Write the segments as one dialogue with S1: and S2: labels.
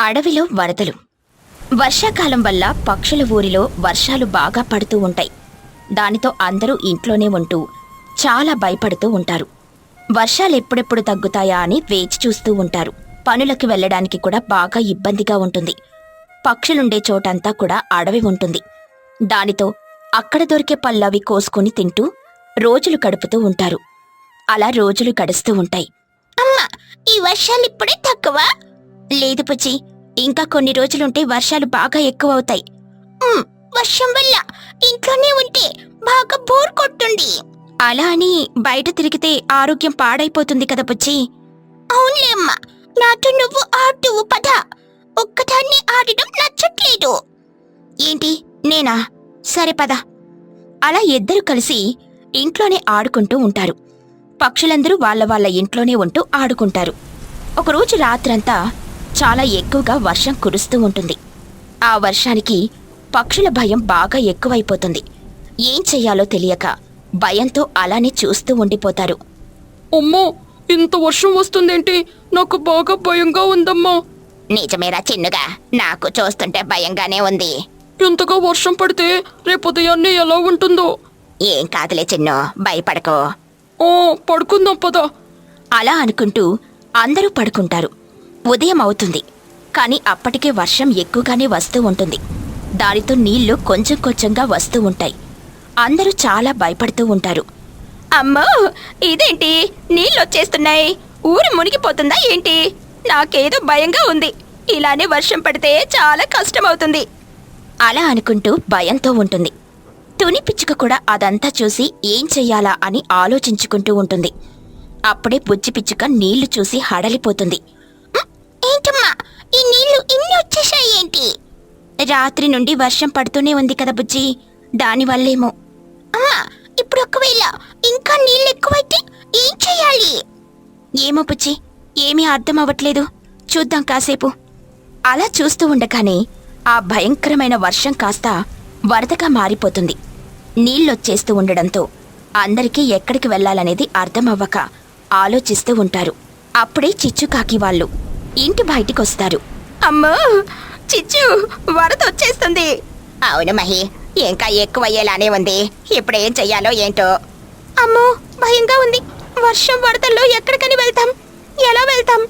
S1: అడవిలో వరదలు. వర్షాకాలం వల్ల పక్షుల ఊరిలో వర్షాలు బాగా పడుతూ ఉంటాయి. దానితో అందరూ ఇంట్లోనే ఉంటూ చాలా భయపడుతూ ఉంటారు. వర్షాలు ఎప్పుడెప్పుడు తగ్గుతాయా అని వేచి చూస్తూ ఉంటారు. పనులకు వెళ్లడానికి కూడా బాగా ఇబ్బందిగా ఉంటుంది. పక్షులుండే చోటంతా కూడా అడవి ఉంటుంది. దానితో అక్కడ దొరికే పళ్ళవి కోసుకుని తింటూ రోజులు గడుపుతూ ఉంటారు. అలా రోజులు గడుస్తూ ఉంటాయి. అమ్మా, ఈ వర్షాలు ఇప్పుడే తక్కువ? లేదు పుచ్చి, ఇంకా కొన్ని రోజులుంటే వర్షాలు బాగా ఎక్కువ అవుతాయి. వర్షం వల్ల ఇంట్లోనే ఉంటే బాగా బోర్ కొట్టుంది. అలా అని బయట తిరిగితే ఆరోగ్యం పాడైపోతుంది కదా పుచ్చి. అవునులే అమ్మా, నాతో నువ్వు ఆడువు పద. ఒక్కదాన్ని ఆడడం నచ్చట్లేదు. ఏంటి, నేనా? సరే పద. అలా ఇద్దరు కలిసి ఇంట్లోనే ఆడుకుంటూ ఉంటారు. పక్షులందరూ వాళ్ళ ఇంట్లోనే ఉంటూ ఆడుకుంటారు. ఒకరోజు రాత్రంతా చాలా ఎక్కువగా వర్షం కురుస్తూ ఉంటుంది. ఆ వర్షానికి పక్షుల భయం బాగా ఎక్కువైపోతుంది. ఏం చెయ్యాలో తెలియక భయంతో అలానే చూస్తూ ఉండిపోతారు.
S2: అమ్మో, ఇంత వర్షం వస్తుందేంటి? నాకు బాగా భయంగా ఉందమ్మా.
S1: నిజమేరా చిన్నుగా, నాకు చూస్తుంటే భయంగానే ఉంది.
S2: ఇంతగా వర్షం పడితే రేపు ఉదయాన్నే ఎలా ఉంటుందో.
S1: ఏం కాదులే చిన్ను, భయపడకో.
S2: పడుకుందాం పదా.
S1: అలా అనుకుంటూ అందరూ పడుకుంటారు. ఉదయం అవుతుంది. కాని అప్పటికే వర్షం ఎక్కువగానే వస్తూ ఉంటుంది. దానితో నీళ్లు కొంచెం కొంచెంగా వస్తూ ఉంటాయి. అందరూ చాలా భయపడుతూ ఉంటారు. అమ్మో, ఇదేంటి నీళ్ళొచ్చేస్తున్నాయి? ఊరు మునిగిపోతుందా ఏంటి? నాకేదో భయంగా ఉంది. ఇలానే వర్షం పడితే చాలా కష్టమవుతుంది. అలా అనుకుంటూ భయంతో ఉంటుంది. తుని పిచ్చుక కూడా అదంతా చూసి ఏం చెయ్యాలా అని ఆలోచించుకుంటూ ఉంటుంది. అప్పుడే బుజ్జి పిచ్చుక నీళ్లు చూసి హడలిపోతుంది. ఏంటమ్మా, ఈ నీళ్లు ఇన్ని వచ్చేసాయి ఏంటి? రాత్రి నుండి వర్షం పడుతూనే ఉంది కదా బుజ్జి, దానివల్లేమో. అమ్మా, ఇప్పుడు ఒకవేళ ఇంకా నీళ్ళు ఎక్కువైతే ఏం చెయ్యాలి? ఏమో బుజ్జి, ఏమీ అర్థం అవ్వట్లేదు. చూద్దాం కాసేపు. అలా చూస్తూ ఉండగానే ఆ భయంకరమైన వర్షం కాస్త వరదగా మారిపోతుంది. నీళ్ళొచ్చేస్తూ ఉండడంతో అందరికీ ఎక్కడికి వెళ్లాలనేది అర్థమవ్వక ఆలోచిస్తూ ఉంటారు. అప్పుడే చిచ్చుకాకి వాళ్ళు ఇంటి బయటికొస్తారు. అమ్మో, చిచ్చు, వరద వచ్చేస్తుంది. అవును మహి, ఇంకా ఎక్కువయ్యేలానే ఉంది. ఇప్పుడేం చెయ్యాలో ఏంటో. అమ్మో, భయంగా ఉంది. వర్షం వరదల్లో ఎక్కడికని వెళ్తాం? ఎలా వెళ్తాం?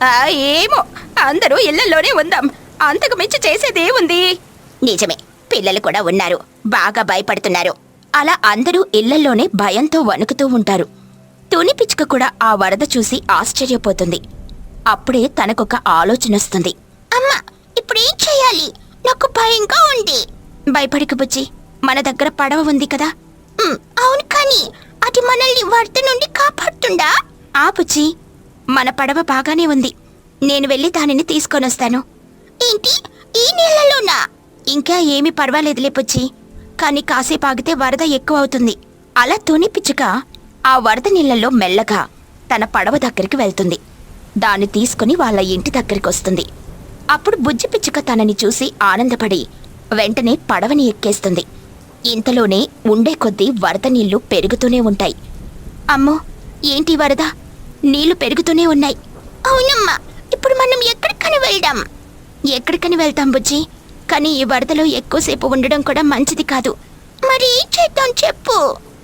S1: ఏమో, అందరూ ఇళ్లలోనే ఉందాం. అంతకు మించి చేసేదేముంది? నిజమే, పిల్లలు కూడా ఉన్నారు, బాగా భయపడుతున్నారు. అలా అందరూ ఇళ్లలోనే భయంతో వణుకుతూ ఉంటారు. తుని పిచ్చుక కూడా ఆ వరద చూసి ఆశ్చర్యపోతుంది. అప్పుడే తనకొక ఆలోచనొస్తుంది. అమ్మా, ఇప్పుడేం చెయ్యాలి? నాకు భయంగా ఉంది. భయపడికి బుజ్జి, మన దగ్గర పడవ ఉంది కదా. అవును, కానీ అది మనల్ని వరద నుండి కాపాడుతుందా? ఆ బుజ్జి, మన పడవ బాగానే ఉంది. నేను వెళ్ళి దానిని తీసుకొనొస్తాను. ఏంటి, ఈ నీళ్లలోనా? ఇంకా ఏమీ పర్వాలేదులే బుజ్జి, కానీ కాసేపు ఆగితే వరద ఎక్కువ అవుతుంది. అలా తుని పిచ్చుక ఆ వరద నీళ్లలో మెల్లగా తన పడవ దగ్గరికి వెళ్తుంది. దాన్ని తీసుకుని వాళ్ళ ఇంటి దగ్గరికొస్తుంది. అప్పుడు బుజ్జి పిచ్చుక తనని చూసి ఆనందపడి వెంటనే పడవని ఎక్కేస్తుంది. ఇంతలోనే ఉండే కొద్దీ వరద నీళ్లు పెరుగుతూనే ఉంటాయి. అమ్మో, ఏంటి వరద? నీళ్లు పెరుగుతూనే ఉన్నాయి. అవునమ్మా, ఇప్పుడు మనం ఎక్కడికని వెళ్దాం? ఎక్కడికని వెళ్తాం బుజ్జి, కానీ ఈ వరదలో ఎక్కువసేపు ఉండడం కూడా మంచిది కాదు. మరి ఏం చేద్దాం చెప్పు.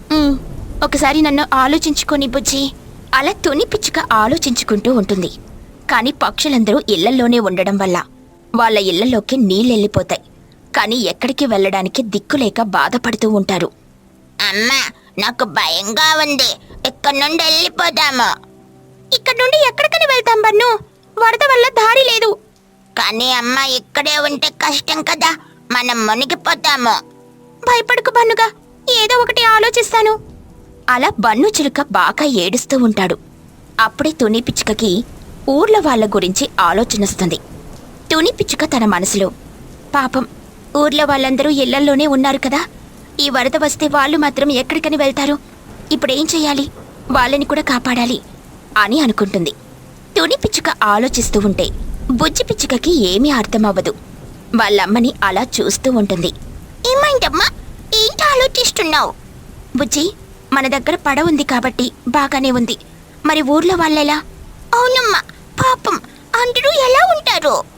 S1: ఒకసారి నన్ను ఆలోచించుకొని బుజ్జి. అలా తుని పిచ్చుక ఆలోచించుకుంటూ ఉంటుంది. కాని పక్షులందరూ ఇళ్లల్లోనే ఉండడం వల్ల వాళ్ళ ఇళ్లలోకి నీళ్ళెళ్ళిపోతాయి. కాని ఎక్కడికి వెళ్లడానికి దిక్కులేక బాధపడుతూ ఉంటారు. అమ్మా, నాకు భయంగా ఉంది. ఇక్కడి నుండి వెళ్ళిపోదాము. ఇక్కడి నుండి ఎక్కడికని వెళ్తాం బన్ను? వరద వల్ల దారి లేదు. కానీ అమ్మ, ఇక్కడే ఉంటే కష్టం కదా, మనం మునిగిపోతాము. భయపడకు బన్నుగా, ఏదో ఒకటి ఆలోచిస్తాను. అలా బన్ను చిలుక బాగా ఏడుస్తూ ఉంటాడు. అప్పుడే తుని పిచ్చుకకి ఊర్లో వాళ్ళ గురించి ఆలోచనొస్తుంది. తుని పిచ్చుక తన మనసులో, పాపం, ఊర్లో వాళ్ళందరూ ఇళ్లల్లోనే ఉన్నారు కదా, ఈ వరద వస్తే వాళ్ళు మాత్రం ఎక్కడికని వెళ్తారు? ఇప్పుడేం చెయ్యాలి? వాళ్ళని కూడా కాపాడాలి అని అనుకుంటుంది. తుని పిచ్చుక ఆలోచిస్తూ ఉంటే బుజ్జి పిచ్చుకకి ఏమీ అర్థమవ్వదు. వాళ్ళమ్మని అలా చూస్తూ ఉంటుంది. ఏమైందమ్మా, ఏంటి ఆలోచిస్తున్నావు? బుజ్జి, మన దగ్గర పడవ ఉంది కాబట్టి బాగానే ఉంది. మరి ఊర్లో వాళ్ళెలా? అవునమ్మా, పాపం అందరూ ఎలా ఉంటారు?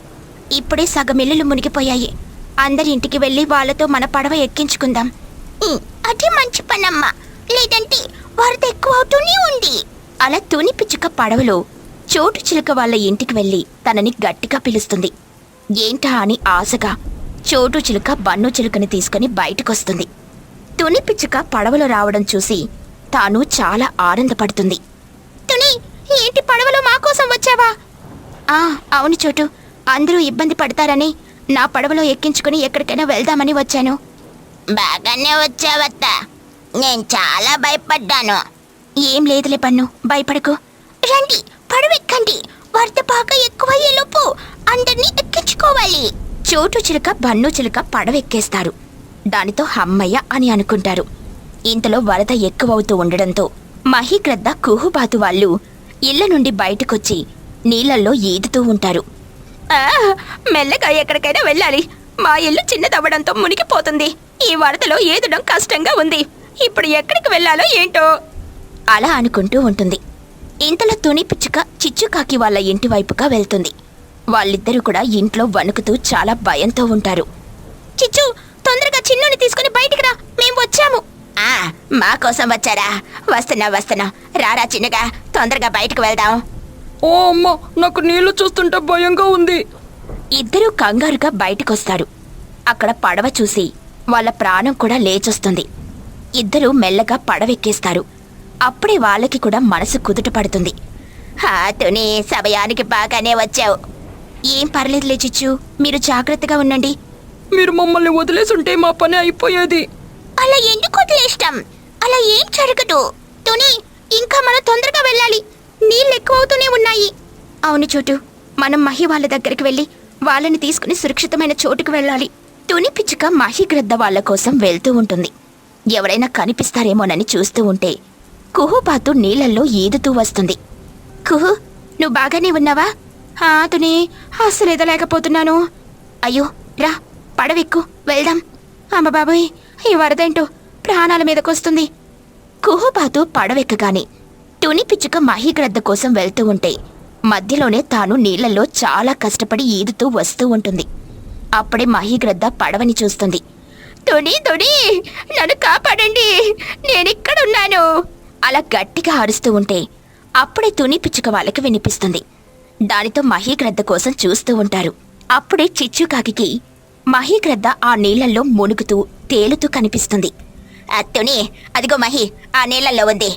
S1: ఇప్పుడే సగం ఇల్లులు మునిగిపోయాయి. అందరి ఇంటికి వెళ్ళి వాళ్ళతో మన పడవ ఎక్కించుకుందాం. అది మంచి పనమ్మా, లేదంటే వరద ఎక్కువ అవుతూనే ఉంది. అలా తుని పిచ్చుక పడవలో చోటు చిలుక వాళ్ళ ఇంటికి వెళ్ళి తనని గట్టిగా పిలుస్తుంది. ఏంటా అని ఆశగా చోటు చిలుక బన్ను చిలుకని తీసుకుని బయటకొస్తుంది. తుని పిచ్చుక పడవలో రావడం చూసి తాను చాలా ఆనందపడుతుంది. తుని, ఏంటి పడవలో మా కోసం వచ్చావా? అవును చోటు, అందరూ ఇబ్బంది పడతారని నా పడవలో ఎక్కించుకుని ఎక్కడికైనా వెళ్దామని వచ్చాను. బాగానే వచ్చావత్తా, నేను చాలా భయపడ్డాను. ఏం లేదులే బన్ను, భయపడకు. రండి, పడవెక్కండి, వరద బాగా ఎక్కువయ్యేలోపు అందరినీ ఎక్కించుకోవాలి. చోటు చిలుక బన్ను చిలుక పడవెక్కేస్తారు. దానితో హమ్మయ్య అని అనుకుంటారు. ఇంతలో వరద ఎక్కువవుతూ ఉండడంతో మహిగ్రద్ద కుహుబాతు వాళ్ళు ఇళ్ల నుండి బయటకొచ్చి నీళ్లల్లో ఈదుతూ ఉంటారు. మెల్లగా ఎక్కడికైనా వెళ్ళాలి, మా ఇల్లు చిన్నదవ్వడంతో మునిగిపోతుంది. ఈ వరదలో ఈదడం కష్టంగా ఉంది. ఇప్పుడు ఎక్కడికి వెళ్ళాలో ఏంటో అలా అనుకుంటూ ఉంటుంది. ఇంతలో తుని పిచ్చుక చిచ్చుకాకి వాళ్ళ ఇంటి వైపుగా వెళ్తుంది. వాళ్ళిద్దరూ కూడా ఇంట్లో వణుకుతూ చాలా భయంతో ఉంటారు. చిచ్చు, తొందరగా చిన్నుని తీసుకుని బయటికి రా, మేం వచ్చాము. మా కోసం వచ్చారా? వస్తున్నా, రారా చిన్నగా, తొందరగా బయటకు వెళ్దాం.
S2: ఓ అమ్మా, నాకు నీళ్లు చూస్తుంటే భయంగా ఉంది.
S1: ఇద్దరూ కంగారుగా బయటకొస్తారు. అక్కడ పడవ చూసి వాళ్ళ ప్రాణం కూడా లేచొస్తుంది. ఇద్దరూ మెల్లగా పడవెక్కేస్తారు. అప్పుడే వాళ్ళకి కూడా మనసు కుదుట పడుతుంది. తుని, సమయానికి బాగానే వచ్చావు. ఏం పర్లేదులే చిచ్చు, మీరు జాగ్రత్తగా ఉండండి.
S2: మీరు మమ్మల్ని వదిలేసుంటే మా పని అయిపోయేది.
S1: అలా ఎందుకు వదిలేస్తాం? అలా ఏం జరగదు. తుని, ఇంకా మనం తొందరగా వెళ్ళాలి, నీళ్ళు ఎక్కువవుతూనే ఉన్నాయి. అవును చోటు, మనం మహి వాళ్ళ దగ్గరికి వెళ్ళి వాళ్ళని తీసుకుని సురక్షితమైన చోటుకు వెళ్ళాలి. తుని పిచ్చుక మహిగ్రద్ద వాళ్ళ కోసం వెళ్తూ ఉంటుంది. ఎవరైనా కనిపిస్తారేమోనని చూస్తూ ఉంటే కుహుబాతు నీళ్లల్లో ఈదుతూ వస్తుంది. కుహు, నువ్వు బాగానే ఉన్నావా? తుని, అస్సలు ఎదలేకపోతున్నాను. అయ్యో, రా, పడవెక్కు, వెళ్దాం. అమ్మ బాబోయ్, ఈ వరదేంటో ప్రాణాల మీదకొస్తుంది. కుహుబాతు పడవెక్కగానే తుని పిచ్చుక మహిగ్రద్ద కోసం వెళ్తూ ఉంటే మధ్యలోనే తాను నీళ్లలో చాలా కష్టపడి ఈదుతూ వస్తూ ఉంటుంది. అప్పుడే మహిగ్రద్ద పడవని చూస్తుంది. తుని, నన్ను కాపాడండి, నేనిక్కడున్నాను అలా గట్టిగా అరుస్తూ ఉంటే అప్పుడే తుని పిచ్చుక వాళ్ళకి వినిపిస్తుంది. దానితో మహిగ్రద్ద కోసం చూస్తూ ఉంటారు. అప్పుడే చిచ్చుకాకి మహిగ్రద్ద ఆ నీళ్లల్లో మునుగుతూ తేలుతూ కనిపిస్తుంది. తుని, అదిగో మహి ఆ నీళ్లల్లో ఉంది.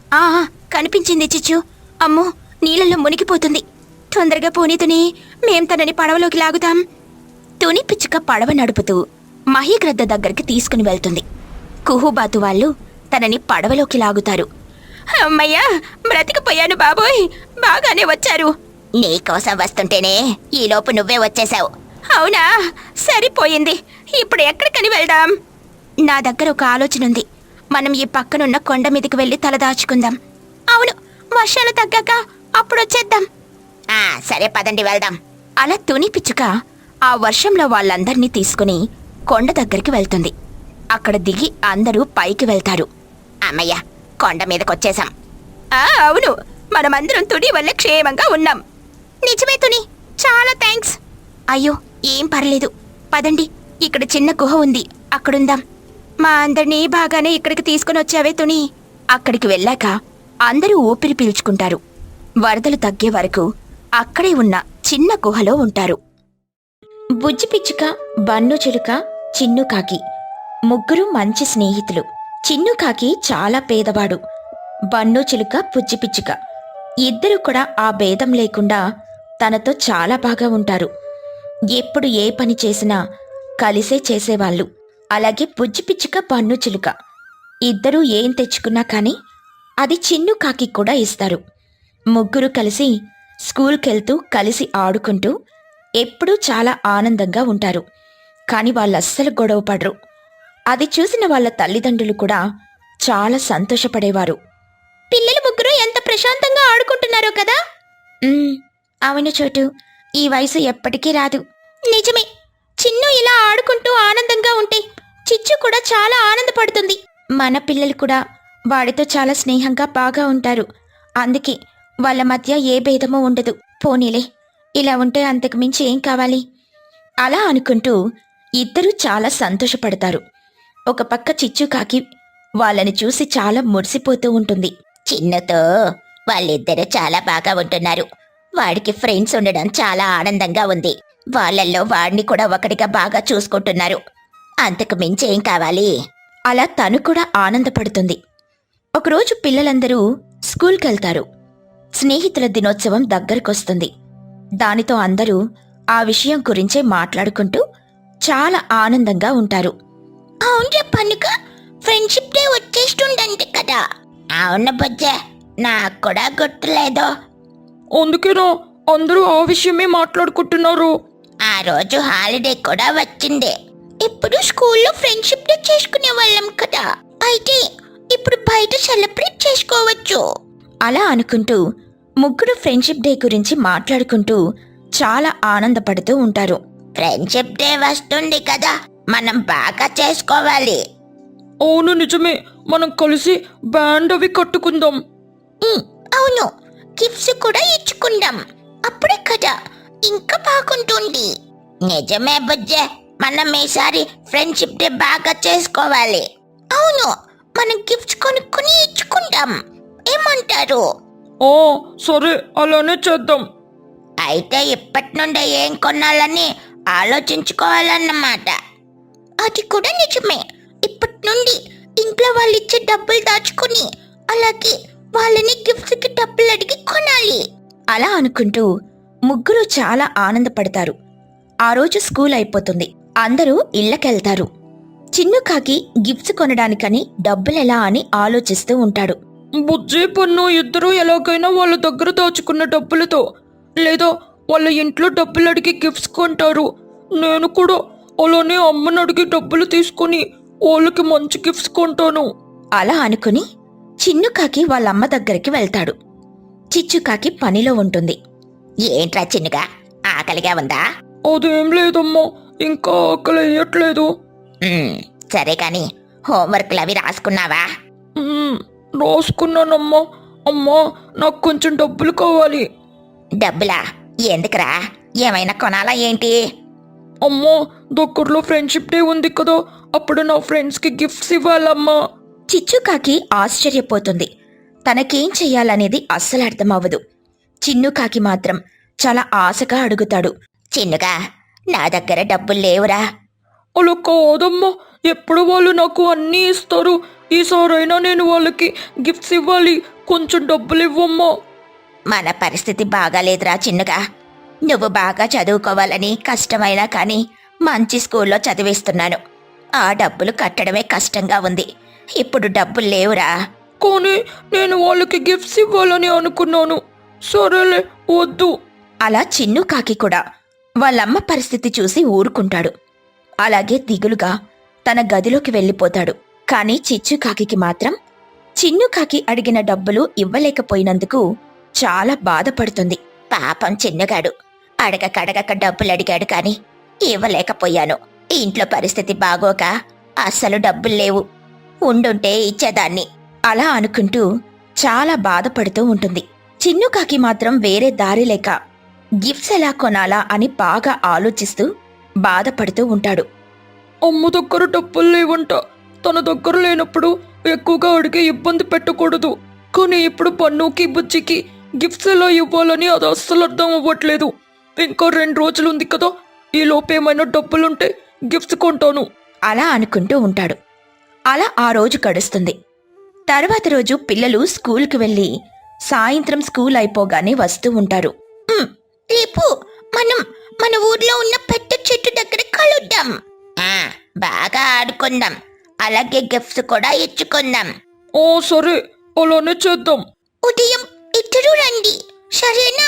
S1: కనిపించింది చిచ్చు. అమ్మో, నీళ్లలో మునిగిపోతుంది. తొందరగా పోనీ తుని, మేం తనని పడవలోకి లాగుతాం. తుని పిచ్చుక పడవ నడుపుతూ మహిగ్రద్ద దగ్గరికి తీసుకుని వెళ్తుంది. కుహుబాతు వాళ్ళు తనని పడవలోకి లాగుతారు. అమ్మయ్యా, బ్రతికిపోయాను బాబోయ్, బాగానే వచ్చారు. నీకోసం వస్తుంటేనే ఈలోపు నువ్వే వచ్చేశావు. అవునా, సరిపోయింది. ఇప్పుడు ఎక్కడికని వెళ్దాం? నా దగ్గర ఒక ఆలోచన ఉంది. మనం ఈ పక్కనున్న కొండ మీదకి వెళ్ళి తలదాచుకుందాం. అవును, వర్షాలు తగ్గాక అప్పుడొచ్చేద్దాం. సరే, పదండి వెళ్దాం. అలా తుని పిచ్చుక ఆ వర్షంలో వాళ్ళందర్నీ తీసుకుని కొండ దగ్గరికి వెళ్తుంది. అక్కడ దిగి అందరూ పైకి వెళ్తారు. అమ్మయ్య, కొండ మీదకొచ్చేశాం. అవును, మనమందరం తుని వల్ల క్షేమంగా ఉన్నాం. నిజమే తుని, చాలా థ్యాంక్స్. అయ్యో, ఏం పర్లేదు, పదండి, ఇక్కడ చిన్న గుహ ఉంది, అక్కడుందాం. మా అందరినీ బాగానే ఇక్కడికి తీసుకుని వచ్చావే తుని. అక్కడికి వెళ్ళాక అందరూ ఊపిరి పీల్చుకుంటారు. వరదలు తగ్గే వరకు అక్కడే ఉన్న చిన్న గుహలో ఉంటారు. బుజ్జి పిచ్చుక, బన్ను చిలుక, చిన్నుకాకి ముగ్గురు మంచి స్నేహితులు. చిన్నుకాకి చాలా పేదవాడు. బన్ను చిలుక, బుజ్జి పిచ్చుక ఇద్దరు కూడా ఆ భేదం లేకుండా తనతో చాలా బాగా ఉంటారు. ఎప్పుడు ఏ పని చేసినా కలిసే చేసేవాళ్ళు. అలాగే బుజ్జి పిచ్చుక, బన్ను చిలుక ఇద్దరూ ఏం తెచ్చుకున్నా కానీ అది చిన్నుకాకి కూడా ఇస్తారు. ముగ్గురు కలిసి స్కూల్కెళ్తూ కలిసి ఆడుకుంటూ ఎప్పుడూ చాలా ఆనందంగా ఉంటారు. కాని వాళ్ళస్సలు గొడవ పడరు. అది చూసిన వాళ్ళ తల్లిదండ్రులు కూడా చాలా సంతోషపడేవారు. పిల్లలు ముగ్గురు ఎంత ప్రశాంతంగా ఆడుకుంటున్నారో కదా. అవును చోటు, ఈ వయసు ఎప్పటికీ రాదు. నిజమే, చిన్ను ఇలా ఆడుకుంటూ ఆనందంగా ఉంటే చిచ్చు కూడా చాలా ఆనందపడుతుంది. మన పిల్లలు కూడా వాడితో చాలా స్నేహంగా బాగా ఉంటారు. అందుకే వాళ్ళ మధ్య ఏ భేదమూ ఉండదు. పోనీలే, ఇలా ఉంటే అంతకు మించి ఏం కావాలి. అలా అనుకుంటూ ఇద్దరూ చాలా సంతోషపడతారు. ఒక పక్క చిచ్చుకాకి వాళ్ళని చూసి చాలా మురిసిపోతూ ఉంటుంది. చిన్నతో వాళ్ళిద్దరూ చాలా బాగా ఉంటున్నారు. వాడికి ఫ్రెండ్స్ ఉండడం చాలా ఆనందంగా ఉంది. వాళ్ళల్లో వాడిని కూడా ఒకటిగా బాగా చూసుకుంటున్నారు. అంతకు మించి ఏం కావాలి? అలా తను కూడా ఆనందపడుతుంది. ఒకరోజు పిల్లలందరూ స్కూల్కెళ్తారు. స్నేహితుల దినోత్సవం దగ్గరకొస్తుంది. దానితో అందరూ ఆ విషయం గురించే మాట్లాడుకుంటూ చాలా ఆనందంగా ఉంటారు. అవును పనుక ఫ్రెండ్షిప్ డే వచ్చేస్తుందంటే కదా. అవును బుజ్జ, నాకు కూడా గుర్తులేదు.
S2: అందుకేనా అందరూ ఆ విషయమే మాట్లాడుకుంటున్నారు.
S1: ఆ రోజు హాలిడే కూడా వచ్చింది. ఇప్పుడు స్కూల్లో ఫ్రెండ్షిప్ డే చేసుకునే వాళ్ళం కదా, అయితే ఇప్పుడు బయట సెలబ్రేట్ చేసుకోవచ్చు. అలా అనుకుంటూ ముగ్గురు ఫ్రెండ్షిప్ డే గురించి మాట్లాడుకుంటూ చాలా ఆనందపడుతూ ఉంటారు. ఫ్రెండ్షిప్ డే వస్తుంది కదా, మనం బాగా చేసుకోవాలి.
S2: అవును నిజమే, మనం కలిసి బ్యాండ్ అవి కట్టుకుందాం.
S1: అవును, గిఫ్ట్స్ కూడా ఇచ్చుకుందాం. అప్పుడే కదా ఇంకా బాగుంటుంది. నిజమే బుజ్జే, మనం ఈసారి ఫ్రెండ్షిప్ డే బాగా చేసుకోవాలి. అవును, మనం గిఫ్ట్స్ కొనుక్కుని ఇచ్చుకుందాం. ఏమంటారు?
S2: ఓ సరే, అలానే చేద్దాం.
S1: అయితే ఇప్పటి నుండే ఏం కొనాలని ఆలోచించుకోవాలన్నమాట. అది కూడా నిజమే. ఇప్పటి నుండి ఇంట్లో వాళ్ళు ఇచ్చే డబ్బులు దాచుకుని అలాగే వాళ్ళని గిఫ్ట్స్ కి డబ్బులు అడిగి కొనాలి. అలా అనుకుంటూ ముగ్గురు చాలా ఆనందపడతారు. ఆ రోజు స్కూల్ అయిపోతుంది. అందరూ ఇళ్ళకెళ్తారు. చిన్నుకాకి గిఫ్ట్స్ కొనడానికని డబ్బులెలా అని ఆలోచిస్తూ ఉంటాడు.
S2: బుజ్జి పన్ను ఇద్దరూ ఎలాగైనా వాళ్ళ దగ్గర దాచుకున్న డబ్బులతో లేదా వాళ్ళ ఇంట్లో డబ్బులు అడిగి గిఫ్ట్స్ కొంటారు. నేను కూడా అలానే అమ్మని అడిగి డబ్బులు తీసుకుని వాళ్ళకి మంచి గిఫ్ట్స్ కొంటాను.
S1: అలా అనుకుని చిన్నుకాకి వాళ్ళమ్మ దగ్గరికి వెళ్తాడు. చిచ్చుకాకి పనిలో ఉంటుంది. ఏంట్రా చిన్నుగా, ఆకలిగా ఉందా?
S2: అదేం లేదమ్మా, ఇంకా ఆకలి వేయట్లేదు.
S1: సరే కాని హోంవర్క్లు అవి రాసుకున్నావా?
S2: రాసుకున్నానమ్మా. అమ్మా, నాకు కొంచెం డబ్బులు కావాలి.
S1: డబ్బులా? ఎందుకురా? ఏమైనా కొనాలా ఏంటి?
S2: అమ్మా, దగ్గరలో ఫ్రెండ్షిప్ డే ఉంది కదా, అప్పుడు నా ఫ్రెండ్స్కి గిఫ్ట్స్ ఇవ్వాలమ్మా.
S1: చిచ్చుకాకి ఆశ్చర్యపోతుంది. తనకేం చెయ్యాలనేది అస్సలు అర్థమవ్వదు. చిన్నుకాకి మాత్రం చాలా ఆశగా అడుగుతాడు. చిన్నుగా, నా దగ్గర డబ్బులు లేవురా.
S2: అలా కాదమ్మా, ఎప్పుడు వాళ్ళు నాకు అన్నీ ఇస్తారు. ఈసారైనా నేను వాళ్ళకి గిఫ్ట్స్ ఇవ్వాలి. కొంచెం డబ్బులు ఇవ్వమ్మా.
S1: మన పరిస్థితి బాగాలేదురా చిన్నుగా. నువ్వు బాగా చదువుకోవాలని కష్టమైనా కానీ మంచి స్కూల్లో చదివిస్తున్నాను. ఆ డబ్బులు కట్టడమే కష్టంగా ఉంది. ఇప్పుడు డబ్బులు లేవురా.
S2: కానీ నేను వాళ్ళకి గిఫ్ట్స్ ఇవ్వాలని అనుకున్నాను. సరేలే, వద్దు.
S1: అలా చిన్నుకాకి కూడా వాళ్ళమ్మ పరిస్థితి చూసి ఊరుకుంటాడు. అలాగే దిగులుగా తన గదిలోకి వెళ్ళిపోతాడు. కాని చిచ్చుకాకి మాత్రం చిన్నుకాకి అడిగిన డబ్బులు ఇవ్వలేకపోయినందుకు చాలా బాధపడుతుంది. పాపం చిన్నగాడు అడగకడగక డబ్బులు అడిగాడు కాని ఇవ్వలేకపోయాను. ఇంట్లో పరిస్థితి బాగోక అస్సలు డబ్బులు లేవు. ఉండుంటే ఇచ్చేదాన్ని. అలా అనుకుంటూ చాలా బాధపడుతూ ఉంటుంది. చిన్నుకాకి మాత్రం వేరే దారి లేక గిఫ్ట్స్ ఎలా కొనాలా అని బాగా ఆలోచిస్తూ బాధపడుతూ ఉంటాడు.
S2: అమ్మ దగ్గర డబ్బులు లేవంట. తన దగ్గర లేనప్పుడు ఎక్కువగా అడిగి ఇబ్బంది పెట్టకూడదు. కానీ ఇప్పుడు పన్నుకి బుజ్జికి గిఫ్ట్స్ ఎలా ఇవ్వాలని అది అస్సలు అర్థం అవ్వట్లేదు. ఇంకా 2 రోజులు ఉంది కదా, ఈ లోపేమైనా డబ్బులుంటే గిఫ్ట్స్ కొంటాను.
S1: అలా అనుకుంటూ ఉంటాడు. అలా ఆ రోజు గడుస్తుంది. తర్వాత రోజు పిల్లలు స్కూల్కి వెళ్ళి సాయంత్రం స్కూల్ అయిపోగానే వస్తూ ఉంటారు. రేపు మనం మన ఊర్లో ఉన్న పెద్ద చెట్టు దగ్గర కలుద్దాం. బాగా ఆడుకుందాం. అలాగే గిఫ్ట్స్ కూడా ఇచ్చుకుందాం.
S2: ఓ సరే, అలానే చేద్దాం.
S1: ఉదయం ఇద్దరు రండి, సరేనా?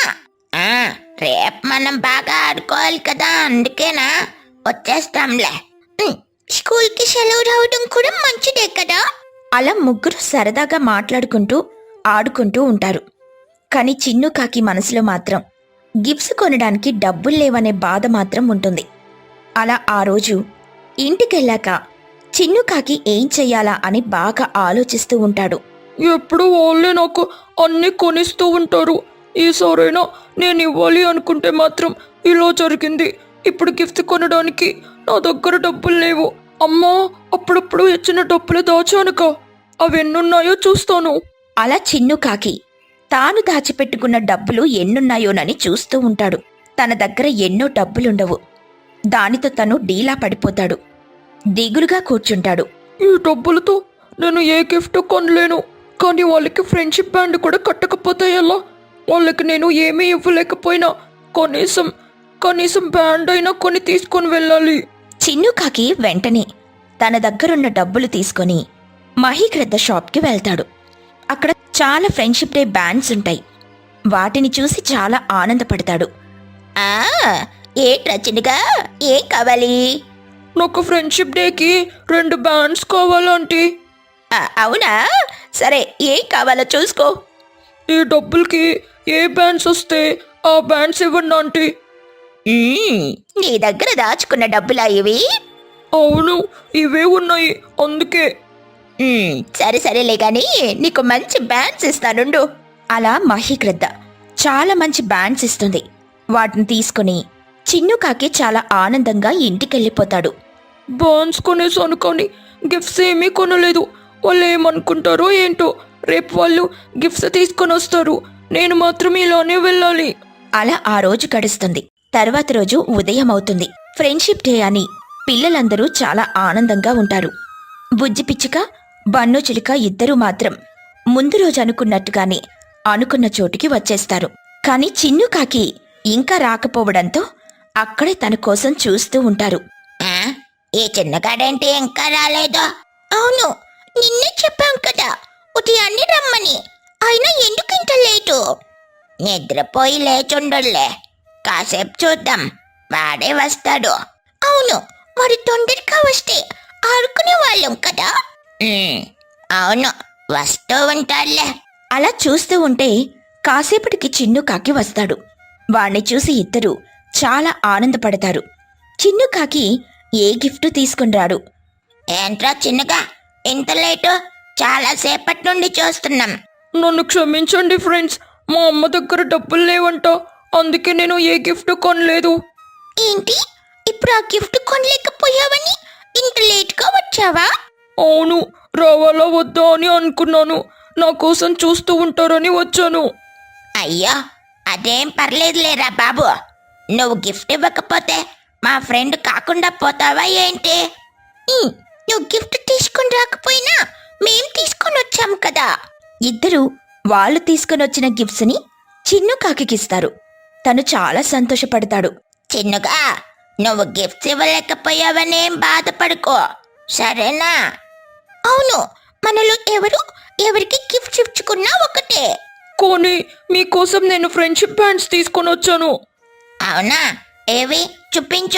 S1: రేపు మనం బాగా ఆడుకోవాలి కదా, అందుకేనా వచ్చేస్తాంలే. స్కూల్కి సెలవు రావడం కూడా మంచిదే కదా. అలా ముగ్గురు సరదాగా మాట్లాడుకుంటూ ఆడుకుంటూ ఉంటారు. కాని చిన్నుకాకి మనసులో మాత్రం గిఫ్ట్స్ కొనడానికి డబ్బులు లేవనే బాధ మాత్రం ఉంటుంది. అలా ఆ రోజు ఇంటికెళ్ళాక చిన్నుకాకి ఏం చెయ్యాలా అని బాగా ఆలోచిస్తూ ఉంటాడు.
S2: ఎప్పుడు వాళ్ళే నాకు అన్నీ కొనిస్తూ ఉంటారు. ఈసారైనా నేను ఇవ్వాలి అనుకుంటే మాత్రం ఇలా జరిగింది. ఇప్పుడు గిఫ్ట్ కొనడానికి నా దగ్గర డబ్బులు లేవు. అమ్మా, అప్పుడప్పుడు ఇచ్చిన డబ్బులు దాచానుక, అవి ఎన్నున్నాయో చూస్తాను.
S1: అలా చిన్ను కాకి తాను దాచిపెట్టుకున్న డబ్బులు ఎన్నున్నాయోనని చూస్తూ ఉంటాడు. తన దగ్గర ఎన్నో డబ్బులుండవు. దానితో తను డీలా పడిపోతాడు. దిగులుగా కూర్చుంటాడు.
S2: ఈ డబ్బులతో నేను ఏ గిఫ్ట్ కొనలేను. కానీ వాళ్ళకి ఫ్రెండ్షిప్ బ్యాండ్ కూడా కట్టకపోతే ఎలా? వాళ్ళకి నేను ఏమీ ఇవ్వలేకపోయినా కనీసం బ్యాండ్ అయినా కొని తీసుకొని వెళ్ళాలి.
S1: చిన్ను కాకి వెంటనే తన దగ్గరున్న డబ్బులు తీసుకొని మహీగ్రద్ద షాప్కి వెళ్తాడు. అక్కడ చాలా ఫ్రెండ్షిప్ డే బ్యాండ్స్ ఉంటాయి. వాటిని చూసి చాలా ఆనందపడతాడు. ఏట్రా చిన్నగా, ఏం కావాలి?
S2: నాకు ఫ్రెండ్షిప్ డేకి 2 బ్యాండ్స్ కావాలంటీ.
S1: అవునా, సరే, ఏం కావాలో చూసుకో.
S2: ఈ డబ్బులకి ఏ బ్యాండ్స్ వస్తే ఆ బ్యాండ్స్ ఇవ్వండి ఆంటీ.
S1: నీ దగ్గర దాచుకున్న డబ్బులా ఇవి?
S2: అవును, ఇవే ఉన్నాయి, అందుకే.
S1: సరేలే గాని నీకు మంచి బ్యాండ్స్ ఇస్తానుండు. అలా మహీగ్రద్ద చాలా మంచి బ్యాండ్స్ ఇస్తుంది. వాటిని తీసుకుని చిన్ను కాకి చాలా ఆనందంగా ఇంటికెళ్ళిపోతాడు.
S2: బాన్స్ కొనేసాను కానీ గిఫ్ట్స్ ఏమీ కొనలేదు. వాళ్ళు ఏమనుకుంటారో ఏంటో. రేపు వాళ్ళు గిఫ్ట్స్ తీసుకొని వస్తారు, నేను మాత్రం ఇలానే వెళ్ళాలి.
S1: అలా ఆ రోజు గడుస్తుంది. తర్వాత రోజు ఉదయం అవుతుంది. ఫ్రెండ్షిప్ డే అని పిల్లలందరూ చాలా ఆనందంగా ఉంటారు. బుజ్జి పిచ్చుక, బన్ను చిలుక ఇద్దరూ మాత్రం ముందు రోజు అనుకున్నట్టుగానే అనుకున్న చోటుకి వచ్చేస్తారు. కాని చిన్ను కాకి ఇంకా రాకపోవడంతో అక్కడే తన కోసం చూస్తూ ఉంటారు.
S3: ఈ చిన్నగాడంటే ఇంకా రాలేదా? అవును, నిన్నే చెప్పాం కదా ఉదయాన్నే రమ్మని. అయినా ఎందుకు ఇంత లేటు? నిద్రపోయి లేచుండలే, కాసేపు చూద్దాం, వాడే వస్తాడు. అవును, వాడు తొందరగా వస్తే ఆడుకునే వాళ్ళం కదా. అవును, వస్తూ ఉంటాడులే.
S1: అలా చూస్తూ ఉంటే కాసేపటికి చిన్ను కాకి వస్తాడు. వాణ్ణి చూసి ఇద్దరూ చాలా ఆనందపడతారు. చిన్ను కాకి ఏ గిఫ్ట్ తీసుకునిరాడు.
S3: ఏంట్రా చిన్నగా, ఇంత లేటు? చాలాసేపటి నుండి చూస్తున్నాం.
S2: నన్ను క్షమించండి ఫ్రెండ్స్, మా అమ్మ దగ్గర డబ్బులు లేవంట, అందుకే నేను ఏ గిఫ్ట్ కొనలేదు.
S3: ఏంటి, ఇప్పుడు ఆ గిఫ్ట్ కొనలేకపోయావని ఇంత లేట్గా వచ్చావా?
S2: అవును, రావాలా వద్దా అని అనుకున్నాను. నా కోసం చూస్తూ ఉంటారని వచ్చాను.
S3: అయ్యో, అదేం పర్లేదులేరా బాబు. నువ్వు గిఫ్ట్ ఇవ్వకపోతే మా ఫ్రెండ్ కాకుండా పోతావా ఏంటి? నువ్వు గిఫ్ట్ తీసుకుని రాకపోయినా మేం తీసుకొని వచ్చాం కదా.
S1: ఇద్దరూ వాళ్ళు తీసుకునొచ్చిన గిఫ్ట్స్ని చిన్ను కాకికిస్తారు. తను చాలా సంతోషపడతాడు.
S3: చిన్నగా, నువ్వు గిఫ్ట్స్ ఇవ్వలేకపోయావనేం బాధపడుకో, సరేనా? అవును, మనలో ఎవరికి గిఫ్ట్స్ ఇచ్చుకున్నా ఒకటే.
S2: కానీ మీకోసం నేను ఫ్రెండ్షిప్ బ్యాండ్స్ తీసుకొని వచ్చాను.
S3: అవునా, ఏవి చూపించు.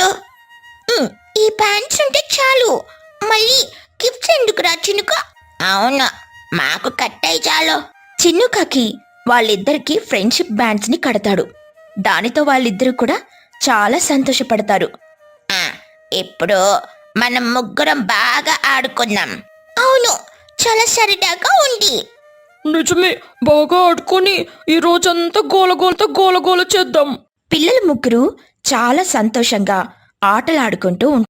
S3: ఈ ప్యాంట్స్ ఉంటే చాలు, మళ్ళీ గిఫ్ట్స్ ఎందుకురా చినుక? అవును, మాకు కట్టాయి చాలు.
S1: చిన్ను కాకి వాళ్ళిద్దరికి ఫ్రెండ్షిప్ బ్యాండ్స్ ని కడతాడు. దానితో వాళ్ళిద్దరూ కూడా చాలా సంతోషపడతారు.
S3: ఇప్పుడు మనం ముగ్గురం బాగా ఆడుకున్నాం. అవును, చాలా సరదాగా ఉంది.
S2: నిజమే, బాగా ఆడుకొని ఈ రోజంతా గోలగోల చేద్దాం.
S1: పిల్లలు ముగ్గురు చాలా సంతోషంగా ఆటలాడుకుంటూ ఉంటారు.